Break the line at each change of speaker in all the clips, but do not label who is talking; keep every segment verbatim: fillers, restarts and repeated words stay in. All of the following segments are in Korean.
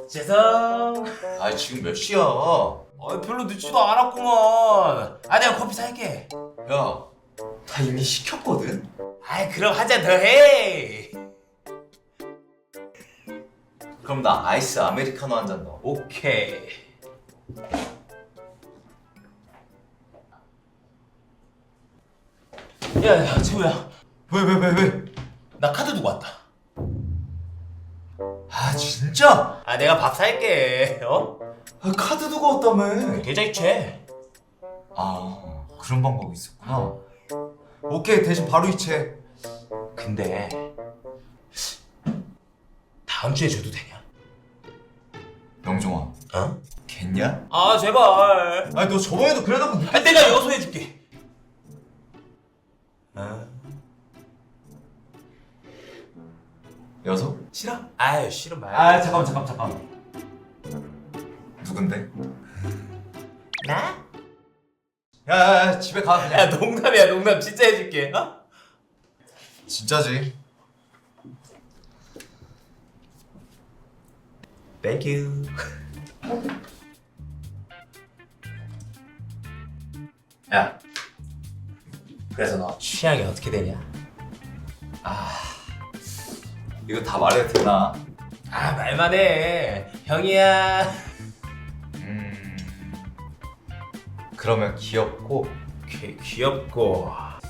복재성.
아 지금 몇 시야?
아 별로 늦지도 않았구먼. 아 내가 커피 살게.
야, 다 이미 시켰거든?
아이 그럼 한 잔 더 해.
그럼 나 아이스 아메리카노 한 잔 넣어.
오케이. 야야 재우야.
왜 왜 왜 왜?
나 카드 두고 왔다.
아 진짜?
아 내가 밥 살게. 어?
아, 카드 두고 왔다며.
계좌 이체.
아 그런 방법이 있었구나. 오케이 대신 바로 이체.
근데 다음 주에 줘도 되냐?
영종아
어?
겠냐?
아 제발.
아니 너 저번에도 그래놓고
아 내가 여소해줄게. 아
여섯?
싫어? 아유 싫은 말.
아 잠깐만 잠깐만 잠깐만. 누군데?
나?
야야야 집에 가 그냥.
야 농담이야 농담 진짜 해줄게. 어?
진짜지?
땡큐. 야 그래서 너 취향이 어떻게 되냐?
이거 다 말해도 되나?
아 말만 해 형이야.
음... 그러면 귀엽고
귀, 귀엽고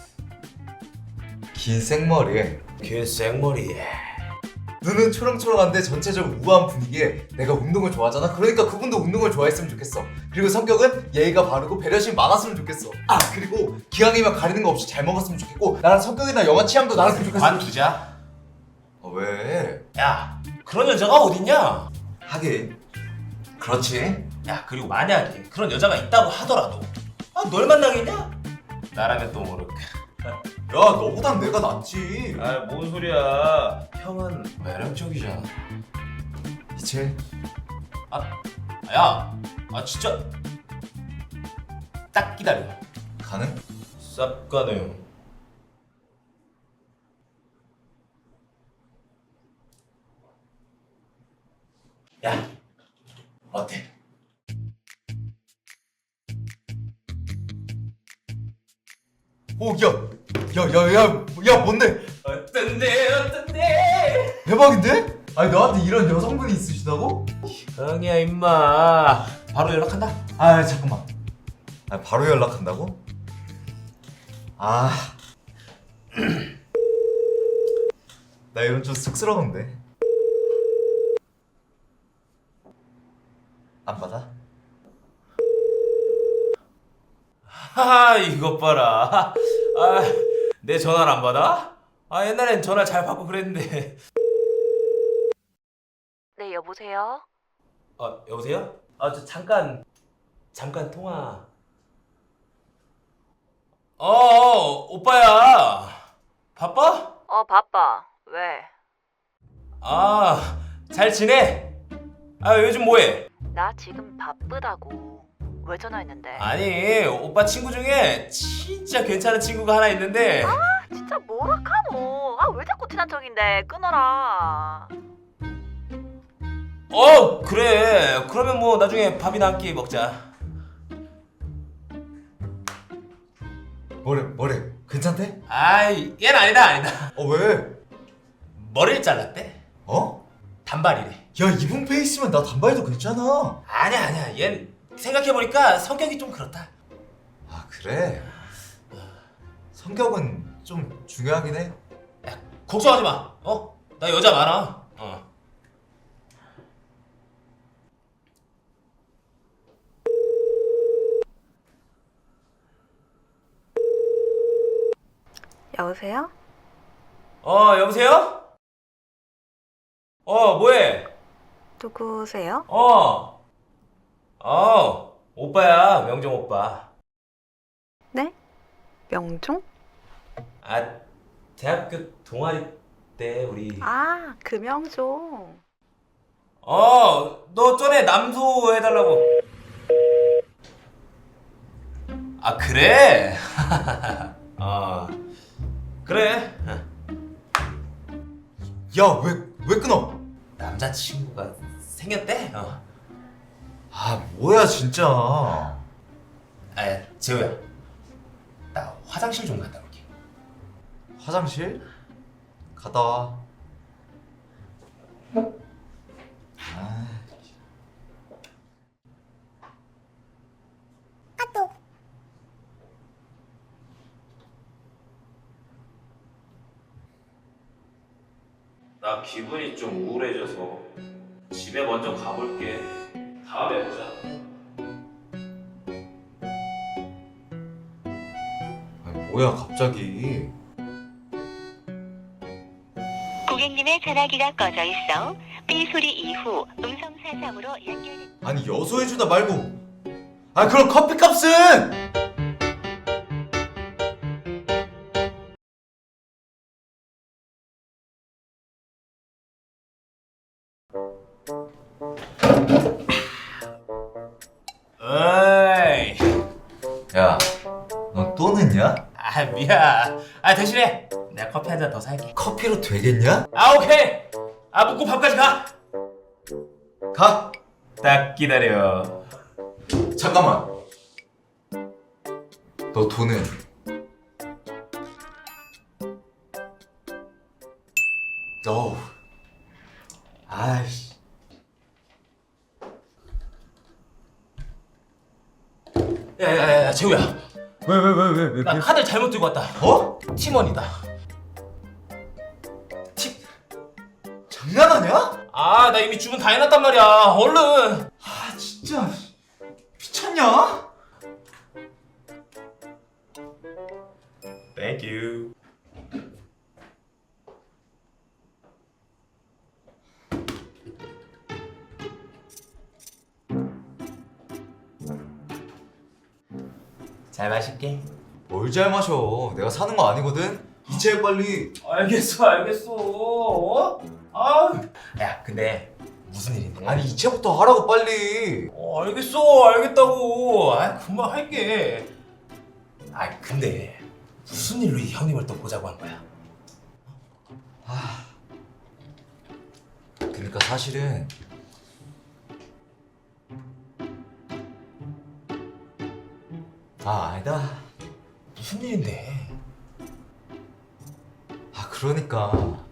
긴 생머리에
긴 생머리에
눈은 초롱초롱한데 전체적으로 우아한 분위기에 내가 운동을 좋아하잖아. 그러니까 그분도 운동을 좋아했으면 좋겠어. 그리고 성격은 예의가 바르고 배려심이 많았으면 좋겠어. 아 그리고 기왕이면 가리는 거 없이 잘 먹었으면 좋겠고 나랑 성격이나 영화 취향도 나랑 좋겠어.
관두자.
어, 왜?
야 그런 여자가 어딨냐?
하긴 그렇지.
야 그리고 만약에 그런 여자가 있다고 하더라도 아 널 만나겠냐? 나라면 또 모를까.
야 너보단 내가 낫지.
아 뭔 소리야. 형은 매력적이잖아.
이제
아, 야, 아 진짜 딱 기다려.
가능?
쌉 가능. 야, 어때?
오, 야, 야, 야, 야, 야, 뭔데?
어떤데, 어떤데?
대박인데? 아니 너한테 이런 여성분이 있으시다고?
형이야 임마. 바로 연락한다.
아 잠깐만. 아 바로 연락한다고? 아, 나 이런 좀 쑥스러운데. 안 받아?
하하 이것 봐라. 아, 내 전화를 안 받아? 아 옛날엔 전화 잘 받고 그랬는데.
네, 여보세요?
아 여보세요? 아 저 잠깐 잠깐 통화. 어, 어 오빠야 바빠?
어, 바빠. 왜?
아 잘 지내? 아 요즘 뭐해?
나 지금 바쁘다고. 왜 전화했는데?
아니 오빠 친구 중에 진짜 괜찮은 친구가 하나 있는데.
아, 진짜 뭐라카노. 아, 왜 자꾸 친한 척인데. 끊어라.
어 그래 그러면 뭐 나중에 밥이나 한 끼 먹자.
뭐래 뭐래 괜찮대?
아이 얘는 아니다 아니다.
어 왜?
머리를 잘랐대.
어?
단발이래.
야 이분 페이스면 나 단발도 괜찮아.
아니야 아니야 얘는 생각해보니까 성격이 좀 그렇다.
아 그래? 성격은 좀 중요하긴 해.
야 걱정하지 마. 어? 나 여자 많아. 어.
여보세요?
어 여보세요? 어 뭐해?
누구세요?
어. 어 오빠야 명정 오빠.
네? 명종?
아 대학교 동아리 때 우리.
아, 그 명종.
어너 전에 남소 해달라고. 아 그래? 어 그래.
야 왜 왜 끊어?
남자친구가 생겼대? 어.
아 뭐야 진짜.
아 재호야, 나 화장실 좀 갔다 올게.
화장실? 갔다 와. 아,
나 기분이 좀 우울해져서 집에 먼저 가볼게. 다음에 보자.
아니, 뭐야 갑자기.
고객님의 전화기가 꺼져 있어 삐 소리 이후 음성 사상으로 연결.
아니 여소해주다 말고. 아 그럼 커피값은.
어이.
야, 넌 또 늦냐?
아 미안. 아 대신에 내가 커피 한 잔 더 살게.
커피로 되겠냐?
아 오케이. 아 묵고 밥까지 가.
가.
딱 기다려.
잠깐만. 너 돈은? 너. 아이씨.
야야야 재우야.
왜 왜 왜 왜 왜?
나 카드 잘못 들고 왔다.
어?
팀원이다.
티... 장난하냐?
아 나 이미 주문 다 해놨단 말이야. 얼른.
아 진짜 미쳤냐?
Thank you. 잘 마실게.
뭘 잘 마셔. 내가 사는 거 아니거든. 이체해 빨리.
알겠어, 알겠어. 어? 아, 야, 근데 무슨 일인데?
아니 이체부터 하라고 빨리.
어, 알겠어, 알겠다고. 아, 금방 할게. 아, 근데 무슨 일로 이 형님을 또 보자고 한 거야?
그러니까 사실은 아 아니다.
무슨 일인데?
아 그러니까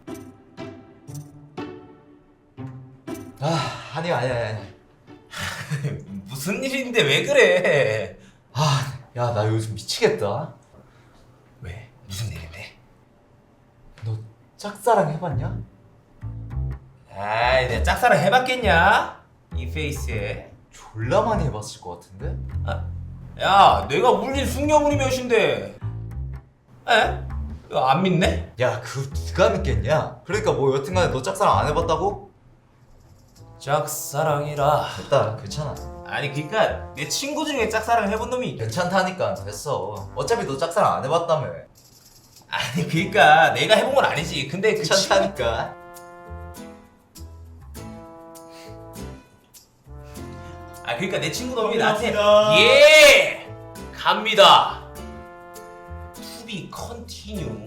아 아니야 아니야 아니야.
무슨 일인데 왜 그래?
아 야 나 요즘 미치겠다.
왜? 무슨 일인데?
너 짝사랑 해봤냐?
아이, 내가 짝사랑 해봤겠냐? 이 페이스에.
졸라 많이 해봤을 것 같은데?
야, 내가 울린 숙녀물이 몇인데? 에? 이거 안 믿네?
야 그거 누가 믿겠냐? 그러니까 뭐 여튼간에 너 짝사랑 안 해봤다고?
짝사랑이라.
됐다 괜찮아.
아니 그니까 내 친구 중에 짝사랑 해본 놈이 있-
괜찮다니까 됐어. 어차피 너 짝사랑 안 해봤다며.
아니 그니까 내가 해본 건 아니지. 근데 그 친구...
괜찮다니까.
아 그니까 내 친구 놈이 나한테 예! 갑니다. To be continue.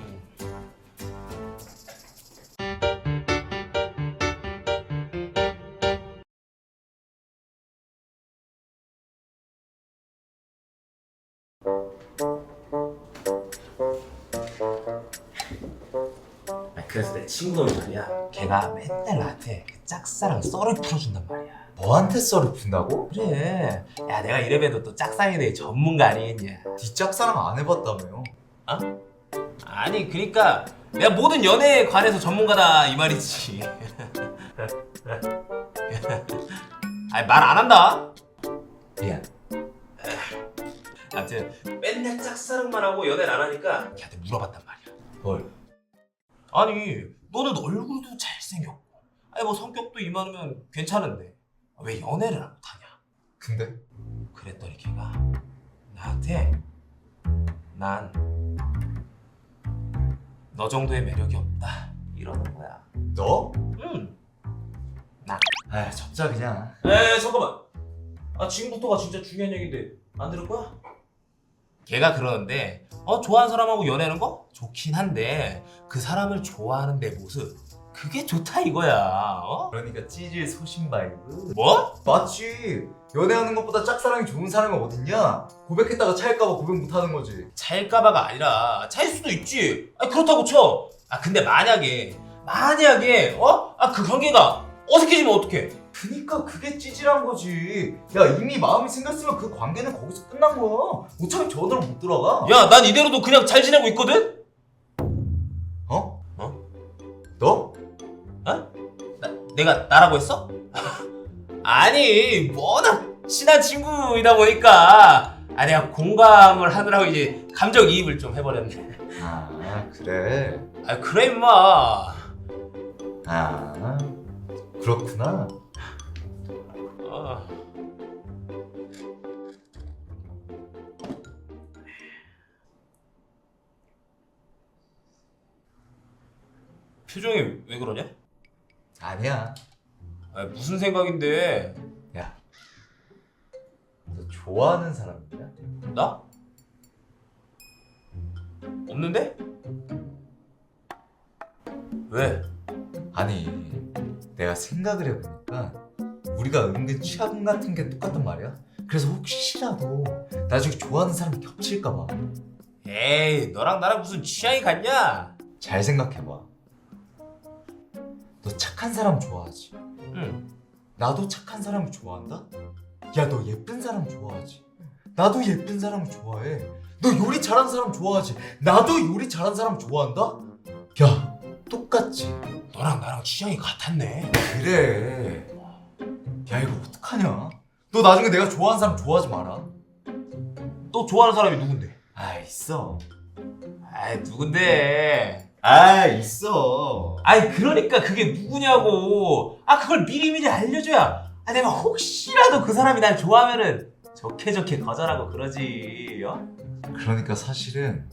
그래서 내 친구 놈이 말이야, 걔가 맨날 나한테 그 짝사랑 썰을 풀어준단 말이야.
너한테 썰을 푼다고?
그래. 야 내가 이래봬도 또 짝사랑에 대해 전문가 아니겠냐.
네 짝사랑 안 해봤다며요.
아니 그니까 내가 모든 연애에 관해서 전문가다 이 말이지. 아니 말 안 한다.
미안.
아무튼 맨날 짝사랑만 하고 연애를 안 하니까 걔한테 물어봤단 말이야.
뭘?
아니 너는 얼굴도 잘생겼고 아니 뭐 성격도 이만하면 괜찮은데 왜 연애를 안 못하냐.
근데?
그랬더니 걔가 나한테 난 너 정도의 매력이 없다 이러는 거야.
너?
응.
아 접자 그냥.
에 잠깐만. 아 지금부터가 진짜 중요한 얘기인데 안 들을 거야? 걔가 그러는데 어 좋아하는 사람하고 연애하는 거 좋긴 한데 그 사람을 좋아하는 내 모습 그게 좋다 이거야. 어?
그러니까 찌질 소신 바이브.
뭐?
맞지. 연애하는 것보다 짝사랑이 좋은 사람이 어딨냐? 고백했다가 차일까봐 고백 못하는 거지.
차일까봐가 아니라 차일 수도 있지. 아 그렇다고 쳐. 아 근데 만약에 만약에 어? 아 그 관계가 어색해지면 어떡해?
그니까 그게 찌질한 거지. 야 이미 마음이 생겼으면 그 관계는 거기서 끝난 거야. 어차피 저대로 못 들어가.
야 난 이대로도 그냥 잘 지내고 있거든?
어?
어?
너?
어? 나, 내가 나라고 했어? 아니 워낙 친한 친구이다 보니까 아 내가 공감을 하느라고 이제 감정이입을 좀 해버렸네.
아 그래.
아 그래 임마.
아 그렇구나.
아. 표정이 왜 그러냐?
아니야.
아, 무슨 생각인데?
야, 너 좋아하는 사람 있냐?
나? 없는데? 왜?
아니, 내가 생각을 해보니까 우리가 은근 취향 같은 게 똑같단 말이야. 그래서 혹시라도 나중에 좋아하는 사람이 겹칠까봐.
에이 너랑 나랑 무슨 취향이 같냐?
잘 생각해봐. 너 착한 사람 좋아하지?
응.
나도 착한 사람을 좋아한다? 야, 너 예쁜 사람 좋아하지? 나도 예쁜 사람을 좋아해. 너 요리 잘하는 사람 좋아하지? 나도 요리 잘하는 사람 좋아한다? 야, 똑같지?
너랑 나랑 취향이 같았네.
그래. 야, 이거 어떡하냐? 너 나중에 내가 좋아하는 사람 좋아하지 마라.
너 좋아하는 사람이 누군데?
아, 있어.
아이 누군데?
아, 있어.
아이 그러니까 그게 누구냐고. 아 그걸 미리미리 알려줘야 아 내가 혹시라도 그 사람이 날 좋아하면은 좋게 좋게 거절하고 그러지. 어?
그러니까 사실은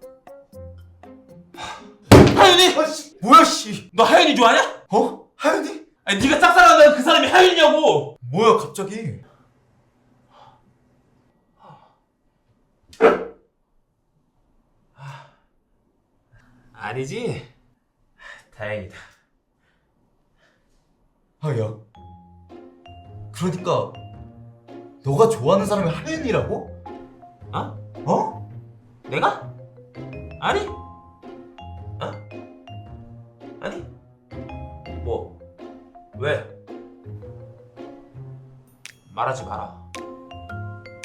하윤이!
아, 씨. 뭐야, 씨.
너 하윤이 좋아하냐?
어? 하윤이?
아니 네가 짝사랑하는 그 사람이 하윤이냐고.
뭐야, 갑자기?
아니지? 다행이다.
아, 야. 그러니까 너가 좋아하는 사람이 하윤이라고?
어?
어?
내가? 아니? 어? 아니? 뭐? 왜? 말하지 마라.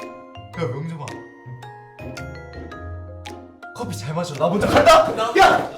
야, 명정아. 커피 잘 마셔. 나 먼저 간다. 야!